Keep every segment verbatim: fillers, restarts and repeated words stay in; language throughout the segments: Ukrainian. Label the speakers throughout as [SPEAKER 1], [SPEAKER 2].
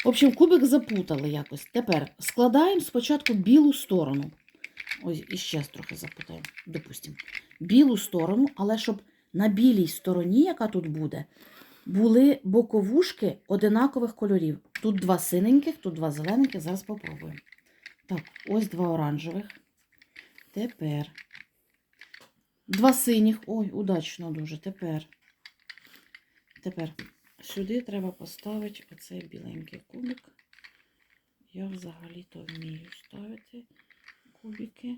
[SPEAKER 1] В общем, кубик запутали якось. Тепер складаємо спочатку білу сторону. Ось, іще трохи запутаємо, допустимо. Білу сторону, але щоб на білій стороні, яка тут буде, були боковушки одинакових кольорів. Тут два синеньких, тут два зелененьких. Зараз спробуємо. Так, ось два оранжевих. Тепер два синіх. Ой, удачно дуже. Тепер. Тепер сюди треба поставити оцей біленький кубик. Я взагалі-то вмію ставити кубики.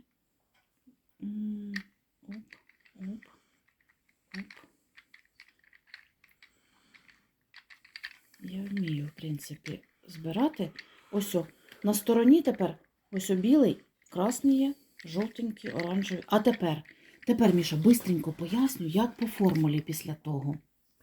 [SPEAKER 1] Оп, оп, оп. Я вмію, в принципі, збирати. Ось о, на стороні тепер ось о білий, красний є, жовтенький, оранжевий. А тепер, тепер, Міша, бистренько поясню, як по формулі після того.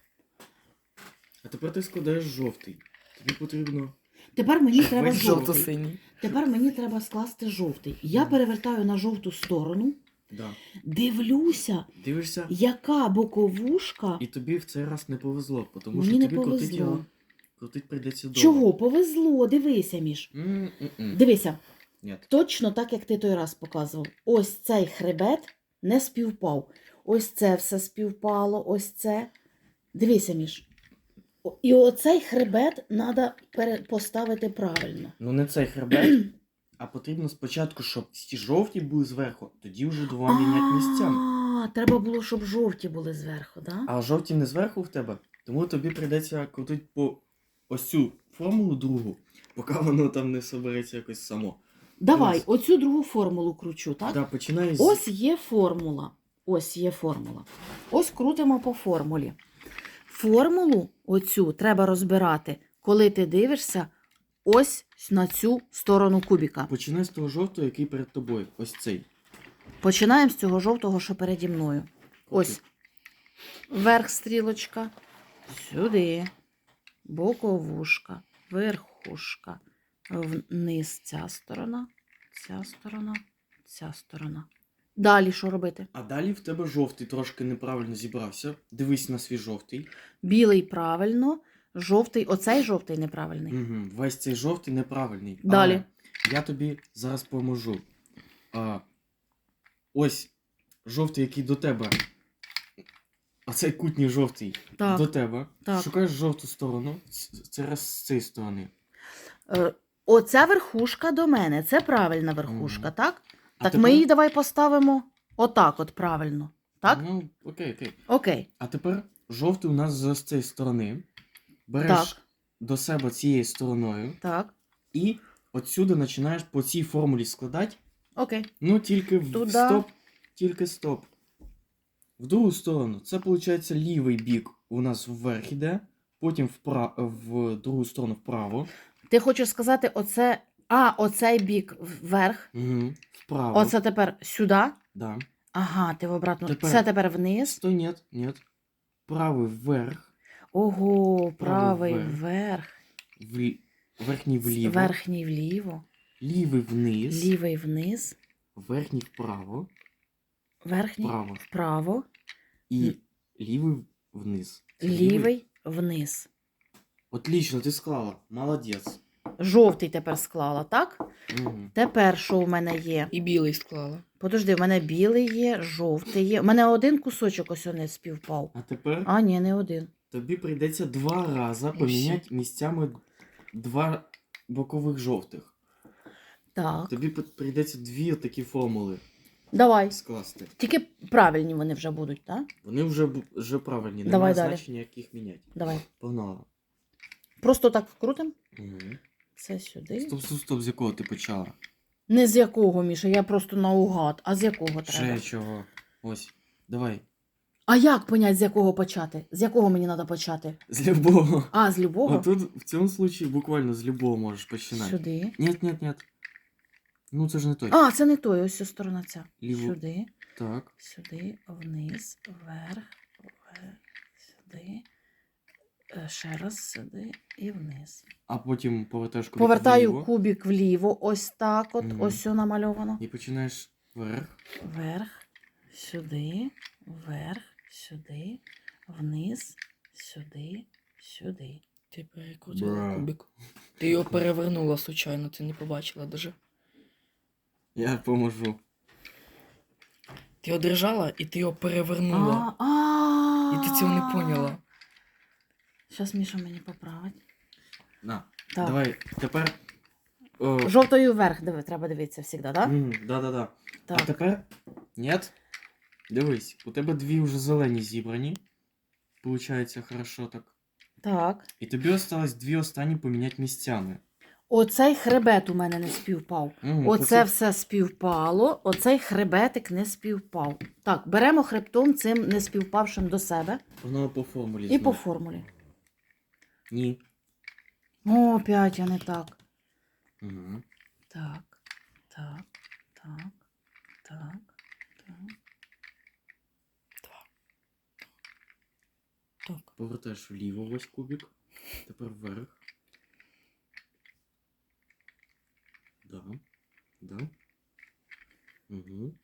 [SPEAKER 2] А тепер ти складаєш жовтий. Тобі потрібно...
[SPEAKER 1] Тепер мені треба
[SPEAKER 2] Весь
[SPEAKER 1] жовтий.
[SPEAKER 3] Жовто-синій.
[SPEAKER 1] Тепер мені треба скласти жовтий. Я перевертаю на жовту сторону,
[SPEAKER 2] Да.
[SPEAKER 1] дивлюся,
[SPEAKER 2] Дивишся,
[SPEAKER 1] яка боковушка.
[SPEAKER 2] і тобі в цей раз не повезло, тому
[SPEAKER 1] Мені
[SPEAKER 2] що
[SPEAKER 1] не
[SPEAKER 2] тобі крутить
[SPEAKER 1] повезло.
[SPEAKER 2] його. Крутить прийдеться довго.
[SPEAKER 1] Чого? Повезло, дивися, Міш.
[SPEAKER 2] М-м-м.
[SPEAKER 1] Дивися,
[SPEAKER 2] Ні.
[SPEAKER 1] точно так, як ти той раз показував. Ось цей хребет не співпав. Ось це все співпало, ось це. Дивися, Міш. О- І оцей хребет треба поставити правильно.
[SPEAKER 2] Ну не цей хребет, а потрібно спочатку, щоб ці жовті були зверху, тоді вже два міняти місцями.
[SPEAKER 1] А, треба було, щоб жовті були зверху, так? Да?
[SPEAKER 2] А жовті не зверху в тебе, тому тобі прийдеться крутити по ось цю формулу другу, поки воно там не собереться якось само.
[SPEAKER 1] Давай,
[SPEAKER 2] Ось.
[SPEAKER 1] оцю другу формулу кручу, так?
[SPEAKER 2] Да, починай з...
[SPEAKER 1] Ось є формула. Ось є формула. Ось крутимо по формулі. Формулу оцю треба розбирати, коли ти дивишся ось на цю сторону кубіка.
[SPEAKER 2] Починай з того жовтого, який перед тобою. Ось цей.
[SPEAKER 1] Починаємо з цього жовтого, що переді мною. Ось верх стрілочка, сюди, боковушка, верхушка, вниз ця сторона, ця сторона, ця сторона. Далі що робити?
[SPEAKER 2] А далі в тебе жовтий трошки неправильно зібрався. Дивись на свій жовтий.
[SPEAKER 1] Білий правильно, жовтий, оцей жовтий неправильний.
[SPEAKER 2] Угу. Весь цей жовтий неправильний.
[SPEAKER 1] Далі.
[SPEAKER 2] Але я тобі зараз поможу. А, ось жовтий, який до тебе. А цей кутній жовтий
[SPEAKER 1] Так,
[SPEAKER 2] до тебе.
[SPEAKER 1] так.
[SPEAKER 2] Шукаєш жовту сторону. Ц- Це раз з цієї сторони.
[SPEAKER 1] Е, Оця верхушка до мене, це правильна верхушка,
[SPEAKER 2] Мгм.
[SPEAKER 1] так?
[SPEAKER 2] А
[SPEAKER 1] Так
[SPEAKER 2] тепер-
[SPEAKER 1] ми її давай поставимо отак от правильно. Так?
[SPEAKER 2] Ну, окей, окей.
[SPEAKER 1] Окей.
[SPEAKER 2] А тепер жовтий у нас з ось цієї сторони. Береш
[SPEAKER 1] Так.
[SPEAKER 2] до себе цією стороною.
[SPEAKER 1] Так.
[SPEAKER 2] І отсюди починаєш по цій формулі складати.
[SPEAKER 1] Окей.
[SPEAKER 2] Ну, тільки в
[SPEAKER 1] Туда.
[SPEAKER 2] стоп. Тільки стоп. В другу сторону. Це, виходить, лівий бік у нас вверх іде. Потім впра... в другу сторону вправо.
[SPEAKER 1] Ти хочеш сказати, оце. А, оцей бік вверх.
[SPEAKER 2] Угу. Вправо.
[SPEAKER 1] Оце тепер сюди.
[SPEAKER 2] Да.
[SPEAKER 1] Ага, ти в обратну.
[SPEAKER 2] Тепер-
[SPEAKER 1] Це тепер вниз.
[SPEAKER 2] Стой, нет, нет. Правий вверх.
[SPEAKER 1] Ого, правий
[SPEAKER 2] Правий вверх.
[SPEAKER 1] вверх.
[SPEAKER 2] В... Верхній вліво.
[SPEAKER 1] Верхній вліво.
[SPEAKER 2] Лівий вниз.
[SPEAKER 1] Лівий вниз.
[SPEAKER 2] Верхній вправо.
[SPEAKER 1] Верхній
[SPEAKER 2] Вправо.
[SPEAKER 1] вправо.
[SPEAKER 2] І лівий вниз. Це
[SPEAKER 1] Лівий вниз.
[SPEAKER 2] Отлично, ти склала. Молодець.
[SPEAKER 1] Жовтий тепер склала, так?
[SPEAKER 2] Угу.
[SPEAKER 1] Тепер що в мене є?
[SPEAKER 3] І білий склала.
[SPEAKER 1] Подожди, в мене білий є, жовтий є. У мене один кусочок ось не співпав.
[SPEAKER 2] А тепер
[SPEAKER 1] А, ні, не один.
[SPEAKER 2] тобі прийдеться два рази поміняти місцями два бокових жовтих.
[SPEAKER 1] Так.
[SPEAKER 2] Тобі п- прийдеться дві такі формули
[SPEAKER 1] Давай.
[SPEAKER 2] скласти.
[SPEAKER 1] Тільки правильні вони вже будуть, так?
[SPEAKER 2] Вони вже, б- вже правильні,
[SPEAKER 1] Давай
[SPEAKER 2] немає
[SPEAKER 1] далі.
[SPEAKER 2] значення, як їх міняти.
[SPEAKER 1] Давай.
[SPEAKER 2] Погнала.
[SPEAKER 1] Просто так вкрутимо.
[SPEAKER 2] Угу.
[SPEAKER 1] Це сюди.
[SPEAKER 2] Стоп, стоп, стоп, з якого ти почала?
[SPEAKER 1] Не з якого, Міша, я просто наугад. А з якого
[SPEAKER 2] Ще
[SPEAKER 1] треба?
[SPEAKER 2] чого? Ось, давай.
[SPEAKER 1] А як понять, з якого почати? З якого мені треба почати?
[SPEAKER 2] З любого.
[SPEAKER 1] А, з любого?
[SPEAKER 2] А тут в цьому случаї буквально з любого можеш починати.
[SPEAKER 1] Сюди.
[SPEAKER 2] Нет, нет, нет. Ну це ж не той.
[SPEAKER 1] А, це не той, ось ця сторона ця.
[SPEAKER 2] Ліву.
[SPEAKER 1] Сюди,
[SPEAKER 2] Так.
[SPEAKER 1] сюди, вниз, вверх, вверх, сюди. Е, Ще раз сюди і вниз.
[SPEAKER 2] А потім повертаєш кубик
[SPEAKER 1] Повертаю
[SPEAKER 2] вліво
[SPEAKER 1] кубик вліво, ось так от,
[SPEAKER 2] Мгм.
[SPEAKER 1] ось все намальовано.
[SPEAKER 2] і починаєш вверх.
[SPEAKER 1] Вверх, сюди, вверх, сюди, вниз, сюди, сюди.
[SPEAKER 3] Ти перекрутила
[SPEAKER 2] Бра.
[SPEAKER 3] кубик. Ти його перевернула случайно, ти не побачила даже.
[SPEAKER 2] Я поможу.
[SPEAKER 3] Ти його держала і ти його перевернула.
[SPEAKER 1] А, а,
[SPEAKER 3] І ти цього не поняла.
[SPEAKER 1] Зараз Міша мені поправить.
[SPEAKER 2] На.
[SPEAKER 1] Так.
[SPEAKER 2] Давай, тепер. О,
[SPEAKER 1] Жовтою вверх диви, треба дивитися завжди, так?
[SPEAKER 2] м, да-да-да. А
[SPEAKER 1] Так.
[SPEAKER 2] тепер. Нет? Дивись, у тебе дві вже зелені зібрані. Получається хорошо так.
[SPEAKER 1] Так.
[SPEAKER 2] І тобі осталось дві останні поміняти місцями.
[SPEAKER 1] Оцей хребет у мене не співпав.
[SPEAKER 2] Мгм,
[SPEAKER 1] Оце
[SPEAKER 2] оце-
[SPEAKER 1] все співпало, оцей хребетик не співпав. Так, беремо хребтом цим не співпавшим до себе
[SPEAKER 2] Воно по формулі.
[SPEAKER 1] і
[SPEAKER 2] знову.
[SPEAKER 1] по формулі.
[SPEAKER 2] Ні.
[SPEAKER 1] О, опять я не так.
[SPEAKER 2] Угу.
[SPEAKER 1] Так, так, так, так, так.
[SPEAKER 3] Так.
[SPEAKER 2] Повертаєш вліво ось кубик. Тепер вверх. Да. Да. Угу.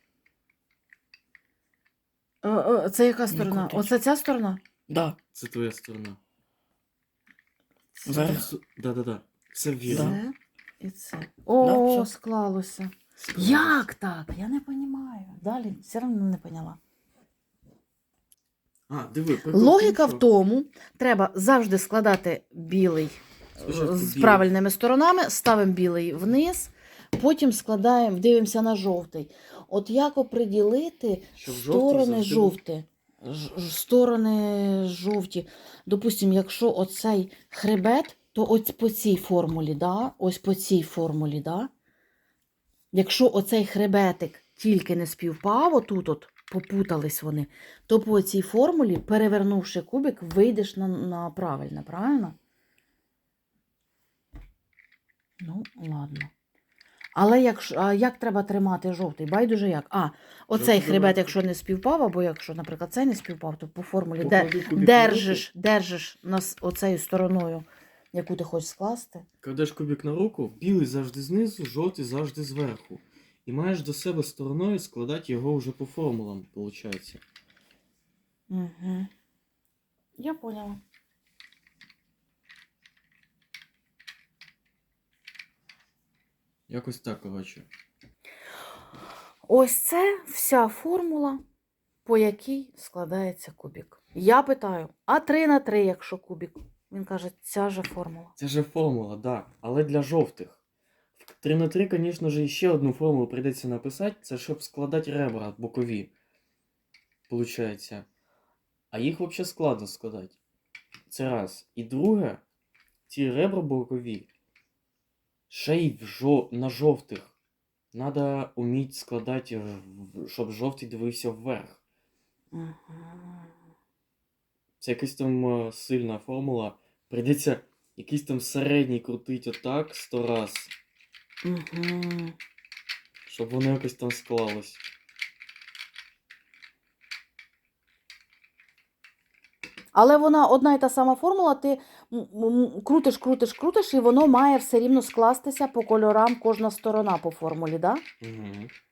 [SPEAKER 1] О, о, це яка сторона?
[SPEAKER 3] крутить.
[SPEAKER 1] Оце ця сторона?
[SPEAKER 3] Да.
[SPEAKER 2] Це твоя сторона.
[SPEAKER 3] Вверх.
[SPEAKER 2] Все- Да-да-да. Все вірно.
[SPEAKER 1] Це і це. О,
[SPEAKER 3] Да, все.
[SPEAKER 1] склалося.
[SPEAKER 2] Справилась.
[SPEAKER 1] Як так? Я не розумію. Далі все одно не поняла.
[SPEAKER 2] А, диви, прикол
[SPEAKER 1] Логіка
[SPEAKER 2] тому,
[SPEAKER 1] в тому, треба завжди складати білий
[SPEAKER 2] Спочатку
[SPEAKER 1] з
[SPEAKER 2] білий.
[SPEAKER 1] правильними сторонами, ставимо білий вниз, потім складаємо, дивимося на жовтий. От як оприділити
[SPEAKER 2] Щоб жовтий
[SPEAKER 1] сторони
[SPEAKER 2] завжди був.
[SPEAKER 1] жовті? Ж- ж- Сторони жовті. Допустимо, якщо оцей хребет, то ось по цій формулі, да? Ось по цій формулі, да? Якщо оцей хребетик тільки не співпав, отут от попутались вони, то по цій формулі, перевернувши кубик, вийдеш на, на правильне, правильно? Ну, ладно. Але якщо, а як треба тримати жовтий? Байдуже як? А, оцей
[SPEAKER 2] Жовтий
[SPEAKER 1] хребет,
[SPEAKER 2] давай.
[SPEAKER 1] якщо не співпав, або якщо, наприклад, цей не співпав, то по формулі де,
[SPEAKER 2] Поклади кубик на
[SPEAKER 1] держиш, держиш нас оцею стороною, яку ти хочеш скласти.
[SPEAKER 2] Кладеш кубик на руку, білий завжди знизу, жовтий завжди зверху. І маєш до себе стороною складати його вже по формулам, виходить.
[SPEAKER 1] Угу. Я поняла.
[SPEAKER 2] Якось так, коротше.
[SPEAKER 1] Ось це вся формула, по якій складається кубик. Я питаю, а три на три, якщо кубик? Він каже, ця же формула.
[SPEAKER 2] Це же формула, да. Але для жовтих. В три на три, звісно ж, ще одну формулу прийдеться написати, це щоб складати ребра бокові. Получається. А їх взагалі складно складати. Це раз. І друге, ці ребра бокові, ще й в жо... на жовтих. Надо вміти складати, в- щоб жовтий дивився вверх.
[SPEAKER 1] Угу.
[SPEAKER 2] Це якась там е, сильна формула. Прийдеться якийсь там середній крутить отак сто раз,
[SPEAKER 1] Угу.
[SPEAKER 2] щоб воно якось там склалось.
[SPEAKER 1] Але вона одна і та сама формула, ти м- м- крутиш, крутиш, крутиш, і воно має все рівно скластися по кольорам кожна сторона по формулі, да?
[SPEAKER 2] Угу.